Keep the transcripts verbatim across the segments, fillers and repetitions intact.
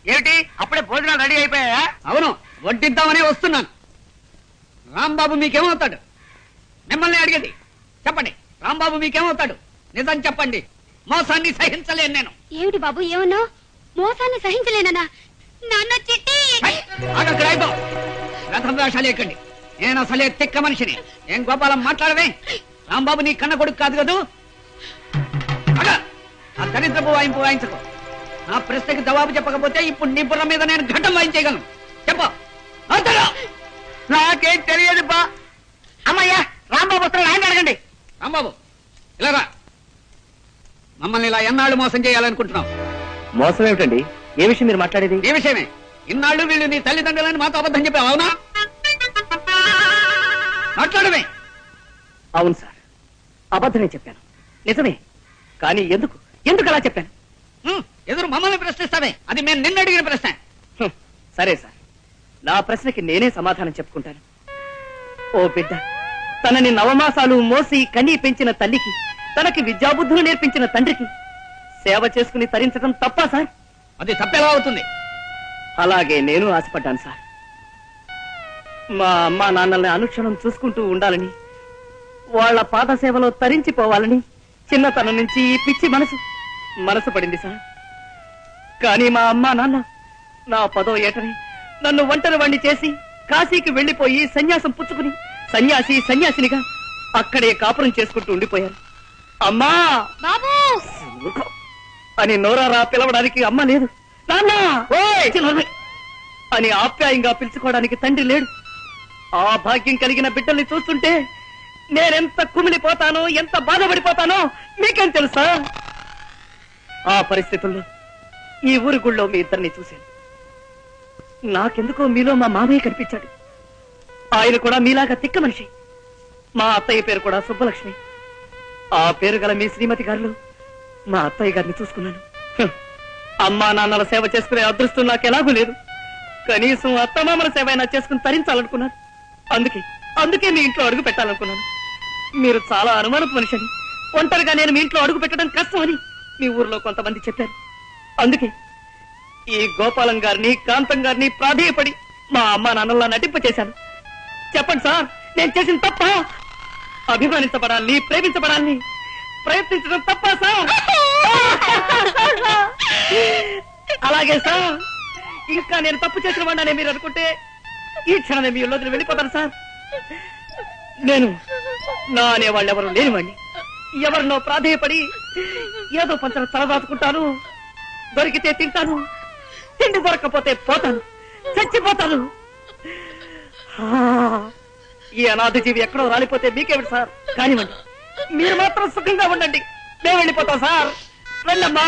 ఏమిటి అప్పుడే భోజనాలు రెడీ అయిపోయా? అవును, వడ్డిద్దామనే వస్తున్నాను. రాంబాబు మీకేమవుతాడు? మిమ్మల్ని అడిగేది చెప్పండి. రాంబాబు మీకేమవుతాడు? నిజం చెప్పండి. మోసాన్ని సహించలేను నేను. ఏమిటి బాబు ఏమన్నావు? మోసాన్ని సహించలేనా? నాన్న చిట్టి రథం వేషాలు ఎక్కండి. నేను అసలే తిక్క మనిషిని. ఏం గోపాలం మాట్లాడవే? రాంబాబు నీ కన్న కొడుకు కాదు కదూ. ఆ దరిద్రపు వాయింపు వాయించకు. నా ప్రశ్నకి జవాబు చెప్పకపోతే ఇప్పుడు నీ బుర్ర మీద నేను ఘటం వాయించగలను. చెప్పు. నాకేం తెలియదు బా. అమ్మయ్యా, రాంబాబు వస్తున్నాడు, ఆయన అడగండి. రాంబాబు ఇలా రా. మమ్మల్ని ఇలా ఎన్నాళ్ళు మోసం చేయాలనుకుంటున్నావు? మోసం ఏమిటండి? ఏ విషయం మీరు మాట్లాడేది? ఏ విషయమే? ఇన్నాళ్ళు వీళ్ళు నీ తల్లిదండ్రులని మాతో అబద్ధం చెప్పావు, అవునా? మాట్లాడమే. అవును సార్, అబద్ధమే చెప్పాను. నిజమే. కానీ ఎందుకు ఎందుకు అలా చెప్పాను? ఎదురు మమ్మల్ని ప్రశ్నిస్తావే? అది మేము నిన్న అడిగిన ప్రశ్న. సరే సార్, నా ప్రశ్నకి నేనే సమాధానం చెప్పుకుంటాను. ఓ బిడ్డ, తనని నవమాసాలు మోసి కనీ పెంచిన తల్లికి, తనకి విద్యాబుద్ధులు నేర్పించిన తండ్రికి సేవ చేసుకుని తరించడం తప్పా సార్? అది తప్పెలా అవుతుంది? అలాగే నేను ఆశపడ్డాను సార్. మా అమ్మా నాన్నల్ని అనుక్షణం చూసుకుంటూ ఉండాలని, వాళ్ల పాద సేవలో తరించిపోవాలని చిన్నతనం నుంచి ఈ పిచ్చి మనసు మనసు పడింది సార్. కానీ మా అమ్మా నాన్న నా పదో ఏటని నన్ను ఒంటరి వాణ్ణి చేసి కాశీకి వెళ్లిపోయి సన్యాసం పుచ్చుకుని సన్యాసి సన్యాసినిగా అక్కడే కాపురం చేసుకుంటూ ఉండిపోయారు. అమ్మా బాబు అని నోరారా పిలవడానికి అమ్మ లేదు, నాన్న అని ఆప్యాయంగా పిలుచుకోవడానికి తండ్రి లేడు. ఆ భాగ్యం కలిగిన బిడ్డల్ని చూస్తుంటే నేనెంత కుమిలిపోతానో, ఎంత బాధపడిపోతానో మీకేం తెలుసా? ఆ పరిస్థితుల్లో ఈ ఊరి గుళ్ళో మీ ఇద్దరిని చూశాను. నాకెందుకో మీలో మా మామయ్య కనిపించాడు. ఆయన కూడా మీలాగా తిక్క మనిషి. మా అత్తయ్య పేరు కూడా సుబ్బలక్ష్మి. ఆ పేరు గల మీ శ్రీమతి గారిలో మా అత్తయ్య గారిని చూసుకున్నాను. అమ్మా నాన్నల సేవ చేసుకునే అదృష్టం నాకు ఎలాగూ లేదు. కనీసం అత్తమామల సేవ అయినా చేసుకుని తరించాలనుకున్నాను. అందుకే అందుకే మీ ఇంట్లో అడుగు పెట్టాలనుకున్నాను. మీరు చాలా అనుమానపు మనిషి అని, ఒంటరిగా నేను మీ ఇంట్లో అడుగు పెట్టడం కష్టమని మీ ఊర్లో కొంతమంది చెప్పారు. అందుకే ఈ గోపాలం గారిని, కాంతం గారిని ప్రాధేయపడి మా అమ్మా నాన్నలా నటింప చేశాను. చెప్పండి సార్, నేను చేసిన తప్ప? అభిమానించబడాలని, ప్రేమించబడాలని ప్రయత్నించడం తప్ప సార్? అలాగే సార్, ఇంకా నేను తప్పు చేసిన వాడినే మీరు అనుకుంటే ఈ క్షణమే మీ ఇల్లు వెళ్ళిపోతాను సార్. నేను నా అనేవాళ్ళు ఎవరు లేనివాడిని. ఎవరినో ప్రాధేయపడి ఏదో పంచన తలదాచుకుంటాను. దొరికితే తింటాను, తిండి దొరకపోతే పోతాను, చచ్చిపోతాను. ఈ అనాథ జీవి ఎక్కడో రాలిపోతే మీకేమిటి సార్? కానివ్వండి, మీరు మాత్రం సుఖంగా ఉండండి. మేము వెళ్ళిపోతాం సార్. వెళ్ళమ్మా,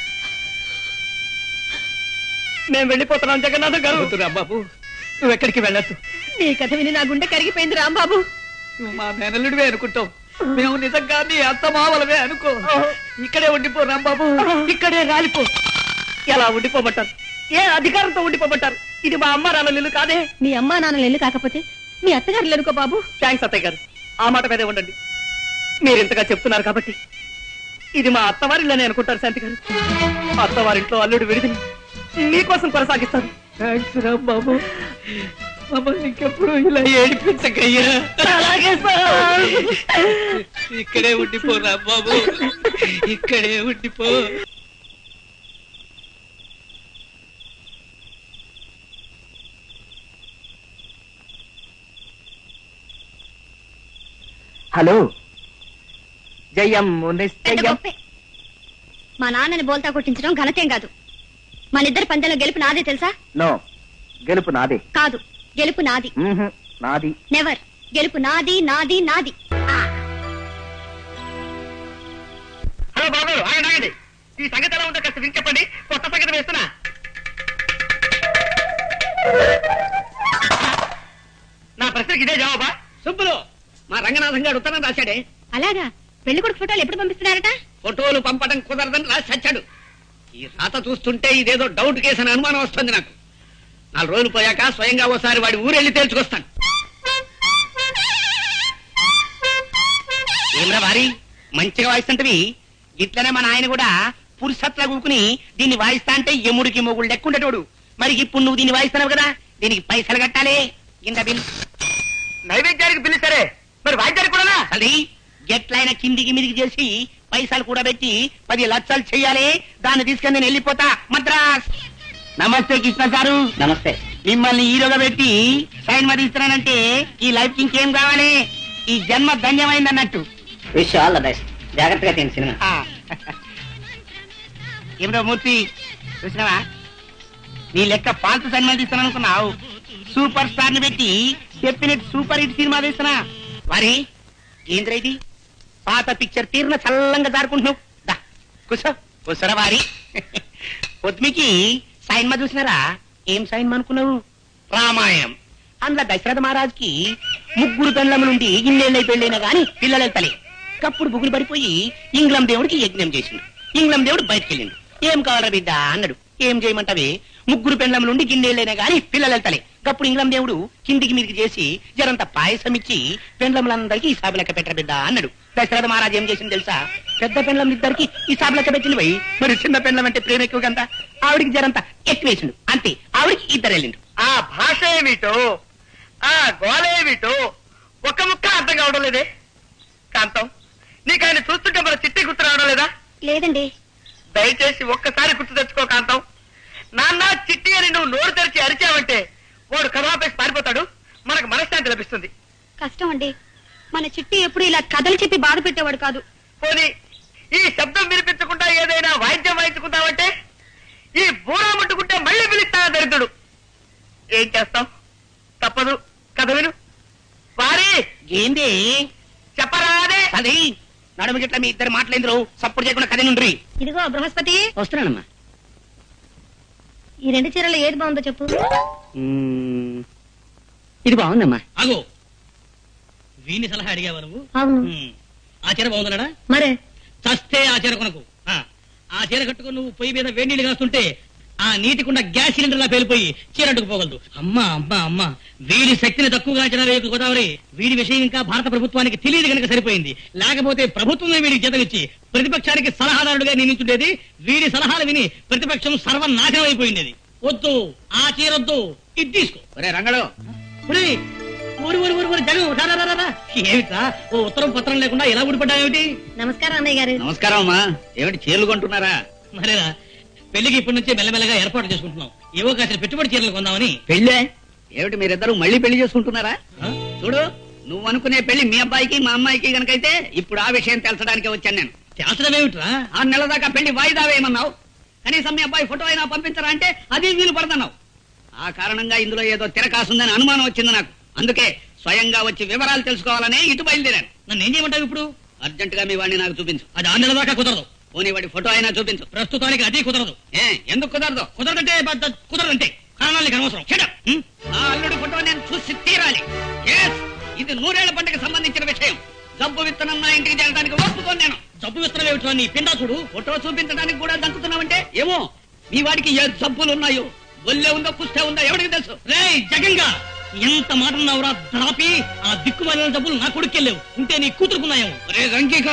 మేము వెళ్ళిపోతున్నాం. జగన్నాథ గారు. రాంబాబు, నువ్వు ఎక్కడికి వెళ్ళొద్దు. నీ కథ విని నా గుండె కరిగిపోయింది రాంబాబు. నువ్వు మా మేనల్లుడివే అనుకుంటావు, మేము నిజంగా నీ అత్త మావలవే అనుకో. ఇక్కడే ఉండిపో రాంబాబు, ఇక్కడే రాలిపో. ఎలా ఉండిపోబట్టారు? ఏ అధికారంతో ఉండిపోబట్టారు? ఇది మా అమ్మ నాన్న ఇల్లు కాదే. మీ అమ్మా నాన్నలు ఇల్లు కాకపోతే మీ అత్తగారు అనుకో బాబు. థ్యాంక్స్ అత్తయ్య గారు, ఆ మాట మీదే ఉండండి. మీరు ఇంతగా చెప్తున్నారు కాబట్టి ఇది మా అత్తవారిల్లని అనుకుంటారు శాంతి గారు. అత్తవారింట్లో అల్లుడు విడిదిని మీకోసం కొనసాగిస్తాను. థ్యాంక్స్ రాంబాబు, మమ్మల్ని ఇంకెప్పుడు ఇలా ఏడిపించకయ్యా. అలాగే సార్. ఇక్కడే ఉండిపో రాంబాబు, ఇక్కడే ఉండిపో. హలో, జయం నిశ్చయం. మా నాన్నని బోల్తా కొట్టించడం ఘనతేం కాదు. మన ఇద్దరు పందెంలో గెలుపు నాదే తెలుసా? నో, గెలుపు నాదే. కాదు, గెలుపు నాది. నాది నెవర్. గెలుపు నాది, నాది, నాది. హలో బాబు, ఆయన ఆగండి. ఈ సంగతి ఎలా ఉందో కాస్త విని చెప్పండి. కొత్త సంగతి వేస్తున్నా. నా ప్రశ్నకి ఇదే జవాబా? సుబ్బులు, మా రంగనాథం గారు ఉత్తరం రాశాడే. అలాగా? పెళ్లి కొడుకు ఫోటోలు ఎప్పుడు పంపిస్తున్నారట? ఫోటోలు పంపడం కుదరదని రాసి చచ్చాడు. ఈ రాత చూస్తుంటే ఇదేదో డౌట్ కేసు అని అనుమానం వస్తుంది నాకు. నాలుగు రోజులు పోయాక స్వయంగా ఓసారి వాడి ఊరెళ్ళి తేల్చుకొస్తాను. ఏమరా భారీ మంచిగా వాయిస్తుంటవి. ఇట్లనే మన ఆయన కూడా పురుషత్లా కూకుని దీన్ని వాయిస్తా అంటే ఎముడికి మొగుడు లెక్కుండేటోడు. మరి ఇప్పుడు నువ్వు దీన్ని వాయిస్తున్నావు కదా, దీనికి పైసలు కట్టాలి. కింద బిల్. నైవేద్యానికి బిల్లు సరే, మరి వాయిద్యానికి కూడా అది ఎట్లయినా కిందికి మిదికి చేసి పైసలు కూడా పెట్టి పది లక్షలు చెయ్యాలి. దాన్ని తీసుకొని నేను వెళ్ళిపోతా మద్రాస్. నమస్తే కృష్ణ సారు. నమస్తే. మిమ్మల్ని హీరోగా పెట్టి సైన్ మరి ఇస్తున్నానంటే ఈ లైఫ్ కి ఇంకేం కావాలి? ఈ జన్మ ధన్యమైంది అన్నట్టు. Wish all the best. జాగ్రత్తగా తిని సినిమా. ఏమిటో మూర్తి చూసినావా, నీ లెక్క పాల్తు సినిమాలు తీస్తాను అనుకున్నావు. సూపర్ స్టార్ ని పెట్టి చెప్పినట్టు సూపర్ హిట్ సినిమా తీస్తున్నా. వారి ఏంద్ర ఇది పాత పిక్చర్ తీరిన చల్లంగా దారుకుంటున్నావు. దా కూసో కూసరా వారి. పొద్దుమికి సైన్మా చూసినారా? ఏం సైన్మా అనుకున్నావు? రామాయణం. అందులో దశరథ మహారాజ్కి ముగ్గురు పెండ్లము నుండి ఇన్నేళ్ళై పెళ్ళైనా గాని పిల్లలు వెళ్తలే. కప్పుడు బుగులు పడిపోయి ఇంగ్లం దేవుడికి యజ్ఞం చేసిండు. ఇంగ్లం దేవుడు బయటకు వెళ్ళిండు. ఏం కావాలరా బిడ్డ అన్నాడు. ఏం చేయమంటావే? ముగ్గురు పెండ్లం నుండి గిన్నెళ్ళైనా గాని పిల్లలు వెళ్తలే. కప్పుడు ఇంగ్లం దేవుడు కిందికి మీదికి చేసి జరంత పాయసం ఇచ్చి పెండ్లములందరికీ ఈ సాబు లెక్క పెట్టర బిడ్డ అన్నాడు. దశరథ మహారాజు ఏం చేసింది తెలుసా? పెద్ద పెండ్లం ఇద్దరికి ఈ సాబు లెక్క పెట్టింది పోయి. మరి చిన్న పెండ్లం అంటే ప్రేమ ఎక్కువ కదా, ఆవిడికి జరంత ఎక్కువ వేసిండు. అంతే, ఆవిడికి ఇద్దరు వెళ్ళిండు. ఆ భాష ఏమిటో, ఆ గోళ ఏమిటో ఒక ముక్క అర్థం కావడం లేదే. కాంతం, నీకు ఆయన చూస్తుంటే మన చిట్టి గుర్తు రావడం లేదా? లేదండి. దయచేసి ఒక్కసారి గుర్తు తెచ్చుకో కాంతం. నాన్న చిట్టి అని నువ్వు నోరు తెరిచి అరిచావంటే వాడు కథాపేసి పారిపోతాడు. మనకు మనశ్శాంతి లభిస్తుంది. కష్టం అండి, మన చిట్టి ఎప్పుడు ఇలా కథలు చెప్పి బాధ పెట్టేవాడు కాదు. పోనీ ఈ శబ్దం వినిపించకుండా ఏదైనా వాయిద్యం వాయించుకుంటావంటే ఈ బూరా ముట్టుకుంటే మళ్ళీ పిలుస్తా దరిద్రుడు. ఏం చేస్తాం, తప్పదు. కథ విను. వారి ఏంది చెప్పరాదే. అది నడుము గిట్ల మీ ఇద్దరు మాట్లాడిందరు సప్పుడు చేయకుండా కథ నుండ్రి. ఇదిగో బృహస్పతి, వస్తున్నానమ్మా. ఈ రెండు చీరలు ఏది బాగుందో చెప్పు. ఇది బాగుందమ్మా. అగో వీని సలహా అడిగావా నువ్వు? అవును. ఉమ్, ఆ చీర బాగుందన్నాడా? మరే చస్తే ఆ చీర కొనకు. ఆ, ఆ చీర కట్టుకుని నువ్వు పొయ్యి మీద వేడి నీళ్ళు కాస్తుంటే ఆ నీటికుండా గ్యాస్ సిలిండర్ లా పేలిపోయి చీర అడ్డుకుపోగలదు. అమ్మా అమ్మా అమ్మా, వీడి శక్తిని తక్కువగా అంచనా వేయకు గోదావరి. వీడి విషయం ఇంకా భారత ప్రభుత్వానికి తెలియదు కనుక సరిపోయింది. లేకపోతే ప్రభుత్వమే వీడికి జీతమిచ్చి ప్రతిపక్షానికి సలహాదారుడుగా నియమించుండేది. వీడి సలహాలు విని ప్రతిపక్షం సర్వనాశనం అయిపోయింది. వద్దు, ఆ చీరొద్దు, ఇది తీసుకో. ఒరే రంగడు, ఒరే, ఊరి ఊరి ఊరి ఊరి జగన్ రా, రా, రా, రా. ఏమిట్రా ఓ ఉత్తరం పత్రం లేకుండా ఎలా ఊడిపడ్డావేమిటి? నమస్కారం అన్నయ్య గారు. నమస్కారం అమ్మా. ఏమిటి చీరలు కొంటున్నారా? మరేరా, పెళ్లికి ఇప్పటి నుంచే మెల్లమెల్లగా ఏర్పాటు చేసుకుంటున్నాం. ఏవో కాసిన పెట్టుబడి చీరలు కొందామని. పెళ్ళే ఏమిటి, మీరిద్దరు మళ్ళీ పెళ్లి చేసుకుంటున్నారా? ఆ? చూడు, నువ్వు అనుకునే పెళ్లి మీ అబ్బాయికి మా అమ్మాయికి గనకైతే ఇప్పుడు ఆ విషయం తెలచడానికి వచ్చాను నేను. తేల్చడం ఏమిట్రా? ఆరు నెలల దాకా పెళ్లి వాయిదా వేయమన్నావు. కనీసం మీ అబ్బాయి ఫోటో అయినా పంపించరా అంటే అది వీలు పడదన్నావు. ఆ కారణంగా ఇందులో ఏదో తిరకాసుందని అనుమానం వచ్చింది నాకు. అందుకే స్వయంగా వచ్చి వివరాలు తెలుసుకోవాలనే ఇటు బయలుదేరాను. నన్ను ఏం చేయమంటావు ఇప్పుడు? అర్జెంట్ గా మీ వాడిని నాకు చూపించు. అది ఆరు నెలల దాకా కుదరదు. పోనీ వాడి ఫోటో అయినా చూపించు. ప్రస్తుతానికి అది కుదరదు. ఏ ఎందుకు కుదరదు? కుదరదంటే బద్ద- కుదరదంటే కారణాలు నీకు అనవసరం. Shut up. హ్మ్? నా అల్లుడి ఫోటో నేను చూసి తీరాలి. Yes, ఇది నూరేళ్ల పంటకు సంబంధించిన విషయం. జబ్బు విత్తనం నా ఇంటికి చేరడానికి ఒప్పుకోను నేను. జబ్బు విస్తరం ఏమిట్రా నీ పిండా చూడు. ఫోటో చూపించడానికి కూడా దంకుతున్నావంటే ఏమో మీ వాడికి ఏ జబ్బులు ఉన్నాయో, ఒళ్ళే ఉందో కుష్టే ఉందో ఎవరికి తెలుసు. రేయ్ జగంగా, ఎంత మాట ఉన్నావురా ద్రాపి. ఆ దిక్కుమాలిన జబ్బులు నా కొడుకెళ్ళేవు. ఉంటే నీ కూతురుకున్నాయేమో. రే రంకిక,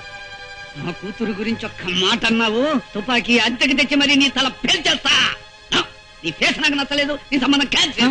నా కూతురు గురించి ఒక్క మాట అన్నావు, తుపాకీ అద్దెకి తెచ్చి మరి నీ తల పేల్చేస్తా. నా, నీ ఫేస్ నాకు నచ్చలేదు, నీ సంబంధం క్యాన్సిల్.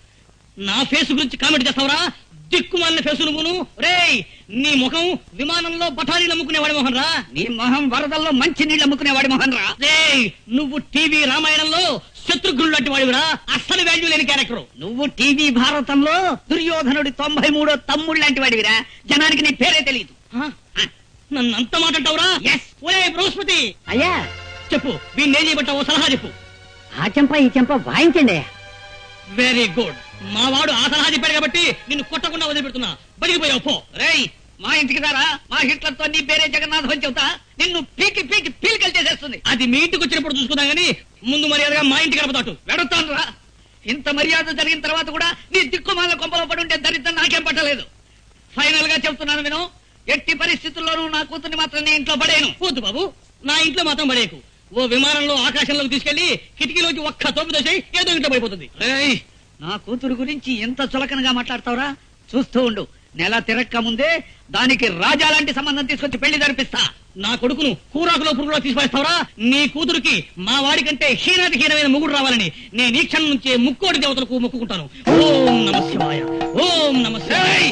నా ఫేస్ గురించి కామెంట్ చేస్తావురా? దిక్కుమాలిన ఫేసు నువ్వును. రేయ్, నీ ముఖం విమానంలో బఠానీలు అమ్ముకునేవాడి మొహన్ రా. నీ మొహం వరదల్లో మంచి నీళ్ళు అమ్ముకునేవాడి మొహన్ రా. రేయ్, నువ్వు టీవీ రామాయణంలో శత్రుఘ్నుడు లాంటి వాడివిరా. అస్సలు వాల్యూ లేని క్యారెక్టర్. నువ్వు టీవీ భారతంలో దుర్యోధనుడి తొంభై మూడో తమ్ముడు లాంటి వాడివిరా. జనానికి నీ పేరే తెలియదు. నన్ను అంత మాట అంటావురా? ఎస్. ఒరే బృహస్పతి, అయ్యా, చెప్పు వీణ్ణి ఏం చేయబట్టావో సలహా చెప్పు. ఆ చెంప ఈ చెంప వాయించండి. Very good. మా వాడు ఆ సలహా చెప్పాడు కాబట్టి నిన్ను కొట్టకుండా వదిలిపెడుతున్నా. బలిగిపోయావు పో. రేయ్, మా ఇంటికి రారా, మా హిట్లర్ తో నీ పేరే జగన్నాథం అని చెబుతా. నిన్ను పీకి పీకి పీలికలు చేసేస్తుంది. అది మీ ఇంటికి వచ్చినప్పుడు చూసుకుందాం గానీ ముందు మర్యాదగా మా ఇంటికి గడపదాటు. వెడుతాను రా. ఇంత మర్యాద జరిగిన తర్వాత కూడా నీ దిక్కుమాల కొంపలో పడి ఉంటే దరిద్రం నాకేం పట్టలేదు. ఫైనల్ గా చెప్తున్నాను విను, ఎట్టి పరిస్థితుల్లోనూ నా కూతుర్ని మాత్రం నీ ఇంట్లో పడేను. వద్దు బాబు, నా ఇంట్లో మాత్రం పడేకు. ఓ విమానంలో ఆకాశంలోకి తీసుకెళ్లి కిటికీలోకి ఒక్క తోపు దోసేయి, ఏదో ఇంట్లో పడిపోతుంది. రేయ్, నా కూతురు గురించి ఎంత చులకనగా మాట్లాడతావురా? చూస్తూ ఉండు, నెల తిరక్క ముందే దానికి రాజా లాంటి సంబంధం తీసుకొచ్చి పెళ్లి జరిపిస్తా. నా కొడుకును కూరాకులో పురుగులో తీసుకొస్తావరా? నీ కూతురికి మా వాడి కంటే హీనాతి హీనమైన ముగ్గురు రావాలని నేను ఈ క్షణం నుంచే ముక్కోడి దేవతలకు మొక్కుకుంటాను. ఓం నమ శివాయ, ఓం నమ శివాయ.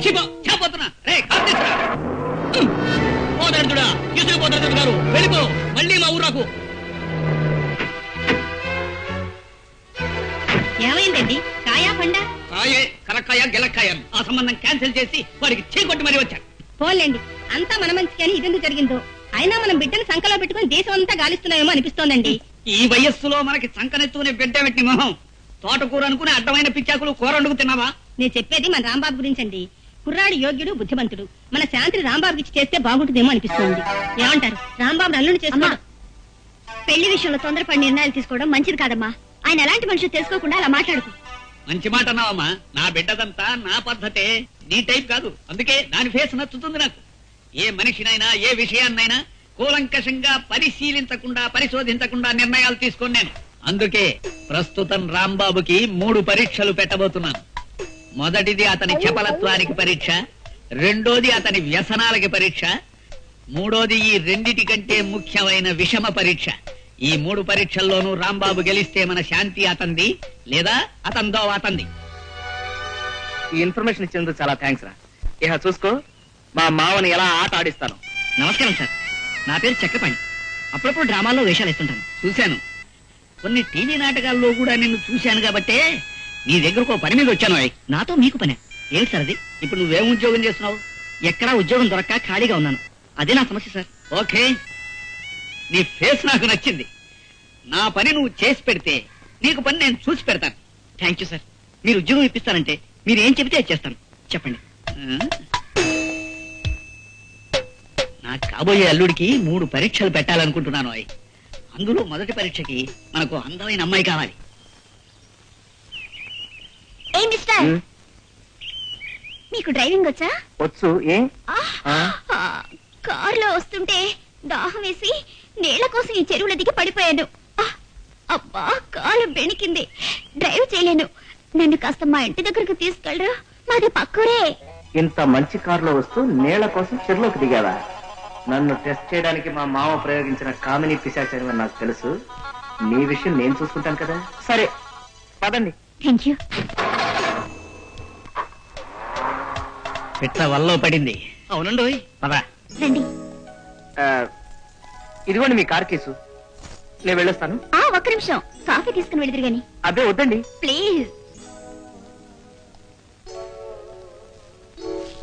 పోదరుడా, ఇసుకు పోదరుడు గారు వెళ్ళిపో, మళ్ళీ మా ఊరాకు. ఏమైందండి? కాయా పండా? కాయే, కరక్కాయ గెలక్కాయ. ఆ సంబంధం క్యాన్సిల్ చేసి వాడికి చీకొట్టి మరీ వచ్చాను. పోలేండి, అంతా మన మంచికి అని ఇదెందుకు జరిగిందో. అయినా మనం బిడ్డను సంకలో పెట్టుకుని దేశం అంతా గాలిస్తున్నామేమో అనిపిస్తోందండి. ఈ వయస్సులో మనకి సంకనెత్తుకునే బిడ్డ పెట్టి మొహం. తోటకూర అనుకుని అడ్డమైన పిచ్చాకులు కూర వండుకు తిన్నావా? నేను చెప్పేది మన రాంబాబు గురించండి. కుర్రాడు యోగ్యుడు, బుద్ధిమంతుడు. మన శాంతిని రాంబాబుకి ఇచ్చి చేస్తే బాగుంటుందేమో అనిపిస్తోంది. ఏమంటారు? రాంబాబు అల్లుని చేసుకోవడం, పెళ్లి విషయంలో తొందరపడి నిర్ణయాలు తీసుకోవడం మంచిది కాదమ్మా. ఆయన ఎలాంటి మనుషులు తెలుసుకోకుండా అలా మాట్లాడుకు. మంచి మాట అన్నావమ్మా. నా బిడ్డదంతా నా పద్ధతే, నీ టైప్ కాదు. అందుకే దాని ఫేస్ నచ్చుతుంది నాకు. ఏ మనిషినైనా ఏ విషయాన్నైనా కూలంకషంగా పరిశీలించకుండా పరిశోధించకుండా నిర్ణయాలు తీసుకొని నేను. అందుకే ప్రస్తుతం రాంబాబుకి మూడు పరీక్షలు పెట్టబోతున్నాను. మొదటిది అతని చపలత్వానికి పరీక్ష, రెండోది అతని వ్యసనాలకి పరీక్ష, మూడోది ఈ రెండిటి కంటే ముఖ్యమైన విషమ పరీక్ష. ఈ మూడు పరీక్షల్లోనూ రాంబాబు గెలిస్తే మన శాంతి అతంది, లేదా అతందో అతంది. ఈ ఇన్ఫర్మేషన్ ఇచ్చినందుకు చాలా థ్యాంక్స్ రా. ఇహ చూసుకో, మా మావని ఎలా ఆట ఆడిస్తాను. నమస్కారం సార్, నా పేరు చక్రపాణి. అప్పుడప్పుడు డ్రామాల్లో వేషాలు వేస్తుంటాను. చూశాను, కొన్ని టీవీ నాటకాల్లో కూడా నిన్ను చూశాను కాబట్టే నీ దగ్గరకు పని మీద వచ్చాను. నాతో మీకు పనే ఏమిటి సార్ అది? ఇప్పుడు నువ్వేం ఉద్యోగం చేస్తున్నావు? ఎక్కడా ఉద్యోగం దొరక్క ఖాళీగా ఉన్నాను. అదే నా సమస్య సార్. ఓకే, నీ ఫేస్ నాకు నచ్చింది. నా పని నువ్వు చేసి పెడితే నీకు పని నేను చూసి పెడతాను. Thank you sir. మీరు ఉద్యోగం ఇప్పిస్తారంటే మీరు ఏం చెబితే అది చేస్తాను. చెప్పండి. నా కాబోయే అల్లుడికి మూడు పరీక్షలు పెట్టాలనుకుంటున్నాను. అవి అందులో మొదటి పరీక్షకి మనకు అందమైన అమ్మాయి కావాలి. ఏ మిస్టర్, మీకు డ్రైవింగ్ వచ్చా? వచ్చు. ఏ కారులో వస్తుంటే దాహం వేసి నీళ్ల కోసం ఈ చెరువుల దిగి పడిపోయాను. అబ్బా, కాలు బెణికింది, డ్రైవ్ చేయలేను. నన్ను కాస్త మా ఇంటి దగ్గరకు తీసుకెళ్ళరా? మాది పక్కూరే. ఇంత మంచి కారులో వస్తూ నీళ్ల కోసం చెరువులోకి దిగావా? నన్ను టెస్ట్ చేయడానికి మా మామ ప్రయోగించిన కామిని పిశాచం అని నాకు తెలుసు. నీ విషయం నేను చూసుకుంటాను కదా. సరే పదండి. Thank you. పిట్ట వల్లో పడింది. అవునండి, పద రండి. ఇదిగోండి మీ కార్ కేసు. నేను వెళ్ళొస్తాను. ఒక్క నిమిషం, కాఫీ తీసుకుని వెళ్దురు గాని. అదే వద్దండి ప్లీజ్.